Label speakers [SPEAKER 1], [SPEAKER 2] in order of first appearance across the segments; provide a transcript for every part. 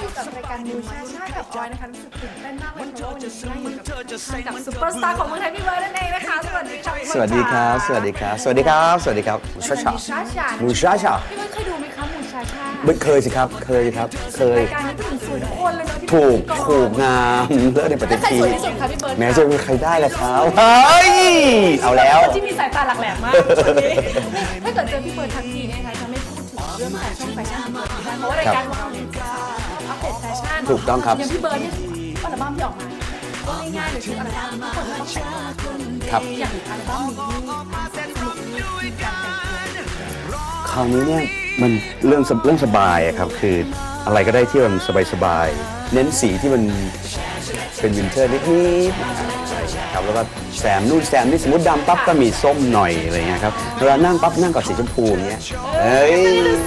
[SPEAKER 1] อยู่กับรายการมูชาชากับออยนะคะรู้สึกตื่นเต้นมากเลยเพราะว่าวันนี้นั่งอยู่กับซุปเปอร์สตาร์ของเมืองไทยพี่เบิร์ดนั่นเองนะคะสวัสดีครับ
[SPEAKER 2] สวัสดีครับสวัสดีครับสวัสดีครับสวัสดีครับมูชาชามูชาชา
[SPEAKER 1] พี่เบิร์ดเคยดูไหมคะมูชาชา
[SPEAKER 2] เคยสิครับเคยครับเคย
[SPEAKER 1] รายการนี้ผู้หญิงสวยทุกคนเลยเนาะที่
[SPEAKER 2] ถูกงามเลิศในปฏิทิน
[SPEAKER 1] ใครสวยที่สุดคะพี่เบิร์ด
[SPEAKER 2] แม้จะมีใครได้ล่ะครับเฮ้ยเอาแล้ว
[SPEAKER 1] ที่มีสายตาหลักแหลมมากถ้าเกิดเจอพี่เบิร์ดทันทีเนี่ยนะคะจะไม่พูดถึงเรื่องแฟชั่นไม่ได้เพราะว่ารายการของเราเนี่ยอัปเดตแฟชั่น
[SPEAKER 2] ถูกต้องครับ
[SPEAKER 1] อย่างพี่เบิร์ดเนี่ยอัลบั้มที่ออกมาก็ง่ายๆเลยชื่ออัลบั้มทุกคนต้องแต่ง
[SPEAKER 2] ครับ
[SPEAKER 1] อย่างอัลบั้มนี้การแต่งตัว
[SPEAKER 2] คราวนี้เนี่ยมันเรื่องสบายครับคืออะไรก็ได้ที่มันสบายๆเน้นสีที่มันเป็นวินเทอร์นิดๆครับแล้วก็แซมนู่นแซมนี่สมมติดำปั๊บก็มีส้มหน่อยอะไรเงี้ยครับเวลานั่งปั๊บนั่งกับสีชมพูอย่างเงี้ยเอ้ย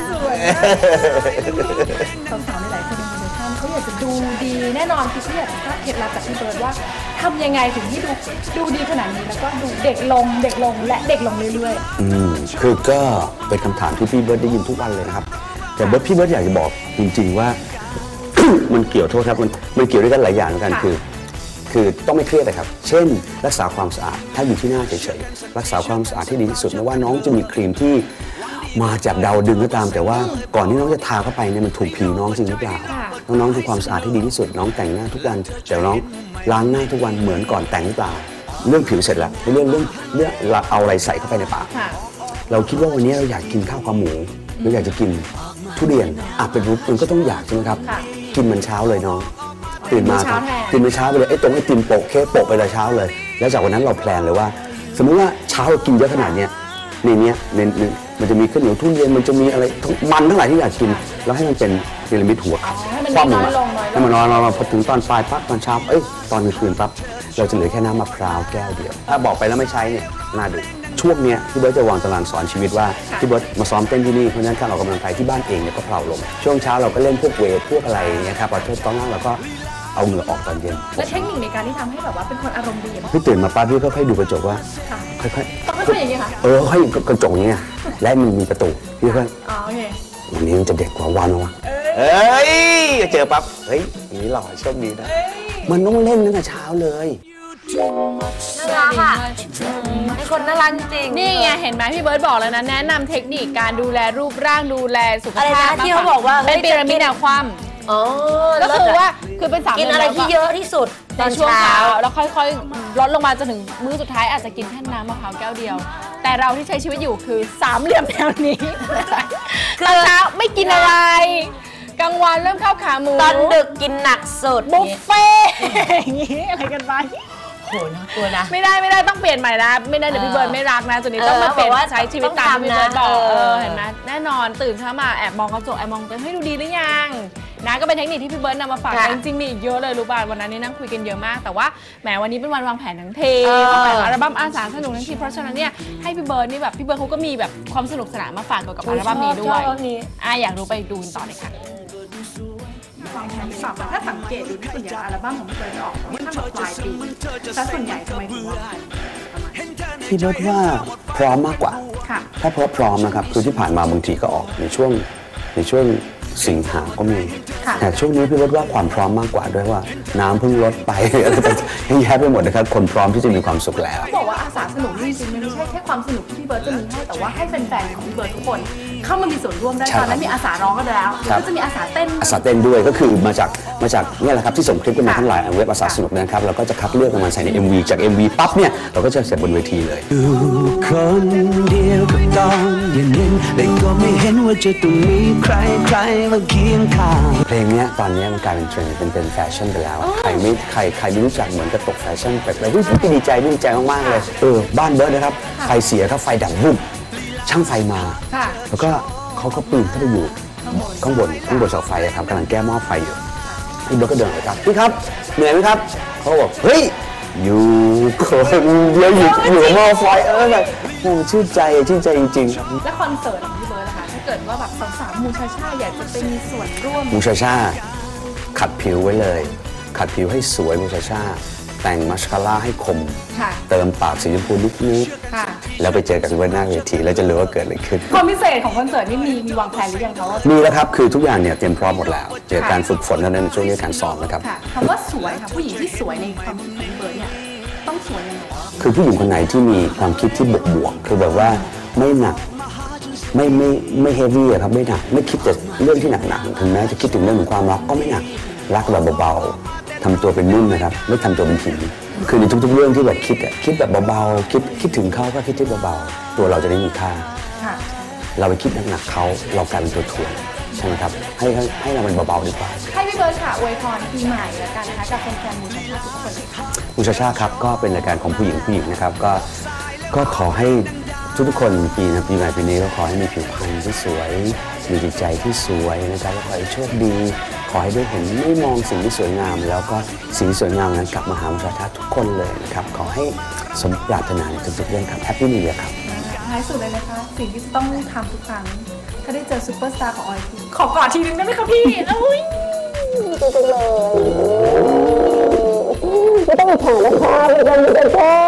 [SPEAKER 1] สาวๆหลายคนในมูลค่าเขาอยากจะดูดีแน่นอนคือเขาอยากจะทราบเคล็ดลับจากพี่เบิร์ดว่าทำยังไงถึงที่ดูดีขนาดนี้แล้วก็ดูเด็กลงและเด็กลงเรื่อย
[SPEAKER 2] ๆคือก็เป็นคำถามที่พี่เบิร์ดได้ยินทุกวันเลยนะครับแต่พี่เบิร์ดอยากจะบอกจริงๆว่า มันเกี่ยวโทษครับมันเกี่ยวด้วยกันหลายอย่างเหมือนกันคือต้องไม่เครียดเลยครับเช่นรักษาความสะอาดถ้าอยู่ที่หน้าเฉยๆรักษาความสะอาดที่ดีที่สุดไม่ว่าน้องจะมีครีมที่มาจากดาวดึงก็ตามแต่ว่าก่อนที่น้องจะทาเข้าไปเนี่ยมันถูกผิวน้องจริงหรือเปล่าน้องทำความสะอาดที่ดีที่สุดน้องแต่งหน้าทุกวันแต่น้องล้างหน้าทุกวันเหมือนก่อนแต่งหรือเปล่าเรื่องผิวเสร็จแล้วเรื่องเราเอาอะไรใส่เข้าไปในปากเราคิดว่าวันนี้เราอยากกินข้าวขาหมูเราอยากจะกินทุเรียนเป็นรูปมันก็ต้องอยากใช่ไหมครับกินมันเช้าเลยน้องตื่นมากินมื้อเช้าไปเลยไอ้ติมโปะเค้กโปะไปเลยเช้าเลยแล้วจากวันนั้นเราแพลนเลยว่าสมมุติว่าเช้าเรากินเยอะขนาดเนี้ยในเนี้ยมันจะมีข้าวเหนียวทุเรียนมันจะมีอะไรมันทั้งหลายที่อยากกินแล้วให้มันเป็นพีระมิดหัวความลงให้มันน้อยลงพอถึงตอนปลายปั๊บตอนเช้าตอนกลางคืนปั๊บเราจะเหลือแค่น้ำมะพร้าวแก้วเดียวถ้าบอกไปแล้วไม่ใช้เนี่ยน่าดูช่วงนี้พี่เบิร์ตจะวางตารางสอนชีวิตว่าพี่เบิร์ตมาซ้อมเต้นที่นี่เพราะฉะนั้นการออกกำลังกายที่บ้านเองเนี่ยก็เพลาลงช่วงเช้าเราก็เล่นพวกเวทพวกอะไรเนี่ยครับพอตอนนั้นเราก็เอาเหงื่อออกตอนเย็น
[SPEAKER 1] และเทคนิคในการที่ทำให้แบบว่าเป็นคนอารมณ์ดี
[SPEAKER 2] พี่ตื่นมาปั๊บพี่ก็ค่อยดูกระจกว่าค่อย
[SPEAKER 1] ๆอย่างนี้ค่ะ
[SPEAKER 2] ค่อยกระจกนี้และมันมีประตูพี่ก็
[SPEAKER 1] โอเค
[SPEAKER 2] วันนี้มันจะเด็กกว่าวันวะเจอปั๊บอย่างนี้หล่อโชคดีนะมันต้องเล่นตั้งแต่เช้าเลย
[SPEAKER 3] น่ารักอ่ะไอคนน่ารักจริง
[SPEAKER 1] นี่ไงเห็นไหมพี่เบิร์ดบอกแล้วนะแนะนำเทคนิคการดูแลรูปร่างดูแลสุขภาพ
[SPEAKER 3] ที่เขาบอกว่า
[SPEAKER 1] เป็นพีระมิดแนวคว่ำก็คือว่าคือเป็น3
[SPEAKER 3] กินอะไรที่เยอะที่สุด
[SPEAKER 1] ในช่วงเช้าแล้วค่อยๆลดลงมาจนถึงมื้อสุดท้ายอาจจะกินแค่น้ำมะพร้าวแก้วเดียวแต่เราที่ใช้ชีวิตอยู่คือ3เหลี่ยมแนวนี้ตอนเช้าไม่กินอะไรกลางวันเริ่มข้าวขาหมู
[SPEAKER 3] ตอนดึกกินหนักสุด
[SPEAKER 1] บุฟเฟ่อย่างนี้อะไรกันไป
[SPEAKER 3] โหน่ากลัวนะ
[SPEAKER 1] ไม่ได้ต้องเปลี่ยนใหม่นะไม่ได้เดี๋ยวพี่เบิร์ดไม่รักนะจุดนี้ต้องมาเปลี่ยนใช้ชีวิตตามพี่เบิร์ดบอกเห็นไหมแน่นอนตื่นเช้ามาแอบมองกระจกแอบมองตัวให้ดูดีหรือยังนะก็เป็นเทคนิคที่พี่เบิร์ดนำมาฝากจริงๆมีอีกเยอะเลยรู้ป่ะวันนั้นนี่นั่งคุยกันเยอะมากแต่ว่าแหมวันนี้เป็นวันวางแผนทั้งทีวางแผนอัลบั้มอาสาสนุกทั้งทีเพราะฉะนั้นเนี่ยให้พี่เบิร์ดนี่แบบพี่เบิร์ดเขาก็มีแบบความสนุกสนานมาฝากเกี่ยวกับอัลบั้มนี้ด้วยอยากรู้ไปดูต่อเลยค่ะวางแผนหรือเปล่าถ้าสังเกตดูที่ส่วนใหญ่อัลบั้มของพี่เบิร์ดจะออกค่อนข้างแบบปลายปีซะส่วนใหญ่ทำไมถึงว่า
[SPEAKER 2] พี่เบิร์ดว่าพร้อมมากกว่าถ้าพร้อมนะครับคือที่ผ่านมาบางทีก็ออกในช่วงสิงหาก็มีแต่ช่วงนี้พี่เบิร์ดว่าความพร้อมมากกว่าด้วยว่าน้ำเพิ่งลดไปอะไรต่างๆแย่ไปหมดนะครับคนพร้อมที่จะมีความสุขแล้ว
[SPEAKER 1] บอกว่าอาสาสนุกจริงๆมันไม่ใช่แค่ความสนุกที่พี่เบิร์ดจะมีให้แต่ว่าให้แฟนๆของพี่เบิร์ดทุกคนเข้ามามีส่วนร่วมได้ตอนนั้นมีอาสาร้องก็แล้วก็จะมีอาสาเต้น
[SPEAKER 2] ด้วยก็คือมาจากนี่แหละครับที่ส่งคลิปกันมาทั้งหลายเว็บอาสาสนุกนะครับเราก็จะคัดเลือกมาใส่ใน MV จาก MV ปั๊บเนี่ยเราก็จะเสร็จบนเวทีเลยคนเดียวกับตอนเย็นๆเลยก็ไม่เห็นว่าจะต้องมีใครมาเคียงข้างเพลงนี้ตอนนี้มันกลายเป็นเทรนด์เป็นแฟชั่นไปแล้วใครไม่รู้จักเหมือนกับตกแฟชั่นไปเลยพี่ดีใจมากๆเลยบ้านเบิร์ดนะครับไฟเสียครับไฟดับบุบช่างไฟมาแล้วก็เขาก็ปีนเข้าไปอยู่ข้างบนเสาไฟครับกำลังแก้หม้อไฟอยู่พี่เบิร์ดก็เดินไปครับพี่ครับเหนื่อยไหมครับเขาบอกเฮ้ยอยู่คนเดียวอยู่หม้อไฟแบบชื่นใจจริงๆครับ
[SPEAKER 1] และคอนเสิร์ตของพี่เบิร์ดนะคะถ้าเกิดว่าแบบสาวๆมูชาชาอยากจะไปมีส่วนร่วม
[SPEAKER 2] มูชาชาขัดผิวไว้เลยขัดผิวให้สวยมูชาชาแต่งมัสคาร่าให้คม
[SPEAKER 1] ค่ะ
[SPEAKER 2] เติมปากสีชมพูนิด
[SPEAKER 1] ค่ะ
[SPEAKER 2] ๆแล้วไปเจอกันบนหน้าเวทีแล้วจะรู้ว่าเกิดอะไรขึ้น
[SPEAKER 1] ความพิเศษของคอนเสิร์ตนี่มีวางแผนหรือยังคะว่า
[SPEAKER 2] มีแล้วครับคือทุกอย่างเนี่ยเตรียมพร้อมหมดแล้วเดี๋ยวการฝึกฝนเท่านั้นช่วงนี้การซ้อมนะครับ
[SPEAKER 1] ค่ะคำว่าสวยค่ะผู้หญิงที่สวยในความคิดของพี่เบิร์ดเนี่ยต้องสวยยังไง
[SPEAKER 2] คือผู้หญิงคนไหนที่มีความคิดที่บวกๆคือแบบว่าไม่หนักไม่เฮฟวี่ครับไม่หนักไม่คิดแต่เรื่องที่หนักๆถึงแม้จะคิดถึงเรื่องของความรักก็ไม่หนักรักแบบเบาๆทำตัวเป็นนุ่มนะครับไม่ทำตัวเป็นหินคือในทุกๆเรื่องที่แบบคิดแบบเบาๆคิดถึงเขาก็คิดที่เบาๆตัวเราจะได้มีค่า
[SPEAKER 1] ค่ะ
[SPEAKER 2] เราไปคิดหนักๆเขาเรากลายเป็นตัวถ่วงใช่ไหมครับให้เราเป็นเบาๆดีกว่า
[SPEAKER 1] ให้พี่เบิร์ดค่ะอวยพรปีใหม่แล้วกันนะคะกับแฟนๆมูชาชาทุกคนเลยค่ะ
[SPEAKER 2] มูชาชาครับก็เป็นรายการของผู้หญิงนะครับก็ขอให้ทุกๆคนปีใหม่ปีนี้ก็ขอให้มีผิวพรรณที่สวยมีจิตใจที่สวยนะครับขอให้โชคดีขอให้ได้เห็นไม่มองสิ่งที่สวยงาม แล้วก็สิ่งที่สวยงามนั้นกลับมาหามูชาชาทุกคนเลยนะครับขอให้สมปรารถนาในทุกๆเรื่องครับแฮปปี้นิวเยียร์ครับ
[SPEAKER 1] ท้ายสุดเลยนะคะสิ่งที่จะต้องทำทุกครั้งถ้าได้เจอซูเปอร์สตาร์ของออยทีขอกอดทีนึงได้ไหมคะพี่อุ้ย
[SPEAKER 4] ไม่ต้องมาแข่งนะคะไม่ต้องมาแข่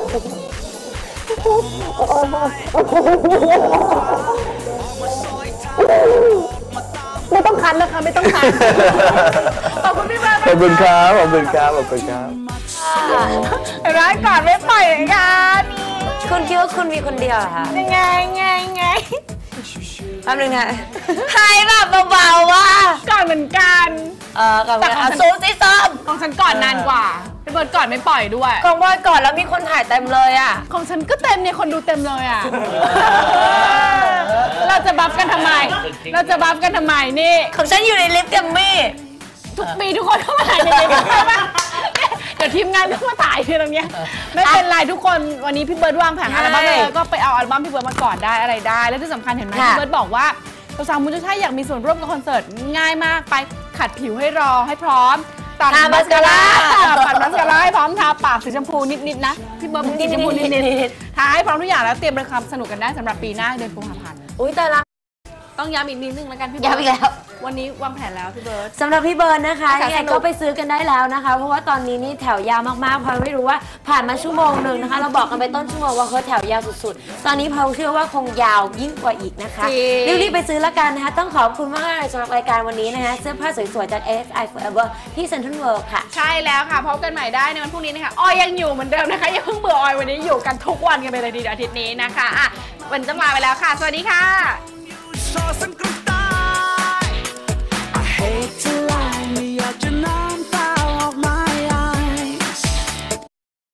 [SPEAKER 4] ไม่ต้องคันนะคะไม่ต้องคัน
[SPEAKER 1] ขอบคุณพี่เบิร์ด
[SPEAKER 2] ขอบคุณครับขอบคุณครับขอบคุณครับ
[SPEAKER 1] ร้านก่อนไม่ปล่อยเลยค่ะนี่
[SPEAKER 3] คุณคิดว่าคุณมีคนเดียวเหรอคะ
[SPEAKER 1] ยังไง
[SPEAKER 3] แป๊บนึงนะหายแบบเบาๆว่ะ
[SPEAKER 1] ก่อนเหมือนกัน
[SPEAKER 3] ก่อน
[SPEAKER 1] แต่ของฉัน
[SPEAKER 3] ซูซิซ้อม
[SPEAKER 1] ของฉันก่อนนานกว่าพี่เบิร์ดก่อนไม่ปล่อยด้วย
[SPEAKER 3] ของบอยก่อนแล้วมีคนถ่ายเต็มเลยอ่ะ
[SPEAKER 1] ของฉันก็เต็มเนี่ยคนดูเต็มเลยอ่ะ เราจะบัฟกันทำไมนี่
[SPEAKER 3] ของฉันอยู่ในลิฟต์แกัมมี่
[SPEAKER 1] ทุกปีทุกคนเข้ามาถ่ายในนี้ใช่ปะเดี๋ยวทีมงานก็มาถ่ายที่ตรงเนี้ยไม่เป็นไรทุกคนวันนี้พี่เบิร์ดวางแผนอัลบั้มเลยก็ไปเอาอัลบั้มพี่เบิร์ดมาก่อนได้อะไรได้ แล้วที่สำคัญเห็นไหมพี่เบิร์ดบอกว่าสาวๆมูลค่าอยากมีส่วนร่วมกับคอนเสิร์ตง่ายมากไปขัดผิวให้รอให้พร้อมตัดมัสคาร่าปัดมัสคาร่าให้พร้อมทาปากสีชมพูนิดๆนะพี่เบิร์ดสีชมพูนิดๆทาให้พร้อมทุกอย่างแล้วเตรียมไปความสนุกกันได้สำหรับปีหน้าเดือนกุมภาพันธ์
[SPEAKER 3] อุ้ยแต่ละ
[SPEAKER 1] ต้องย้ำอีกนิดนึงแล้วกันพี่เบิร์ด
[SPEAKER 3] ย้ำอีกแล้ว
[SPEAKER 1] วันนี้วางแผนแล้วพี่เบิร์ด
[SPEAKER 3] สำหรับพี่เบิร์นนะคะ
[SPEAKER 1] ค่ะ
[SPEAKER 3] ยังไง
[SPEAKER 1] สนุก
[SPEAKER 3] ก็ไปซื้อกันได้แล้วนะคะ เพราะว่าตอนนี้นี่แถวยาวมากๆเพราะไม่รู้ว่าผ่านมาชั่วโมงหนึ่งนะคะ เราบอกกันไปต้นชั่วโมงว่าแถวยาวสุดๆ ตอนนี้เพาเชื่อว่าคงยาวยิ่งกว่าอีกนะคะรีบๆไปซื้อละกันนะคะต้องขอบคุณมากๆสำหรับรายการวันนี้นะคะเสื้อผ้าสวยๆจาก ASI Forever ที่ Central World ค่ะ
[SPEAKER 1] ใช่แล้วค่ะพบกันใหม่ได้ในวันพรุ่งนี้นะคะออยยังอยู่เหมือนเดิมนะคะอย่าเพิ่งเบื่อออยวันนี้อยู่กันทุกวันกันไปเลยทีเดียวอาทิตย์นี้นะคะอ่ะวันจะลาไปแล้วค่ะสวัสดีค่ะ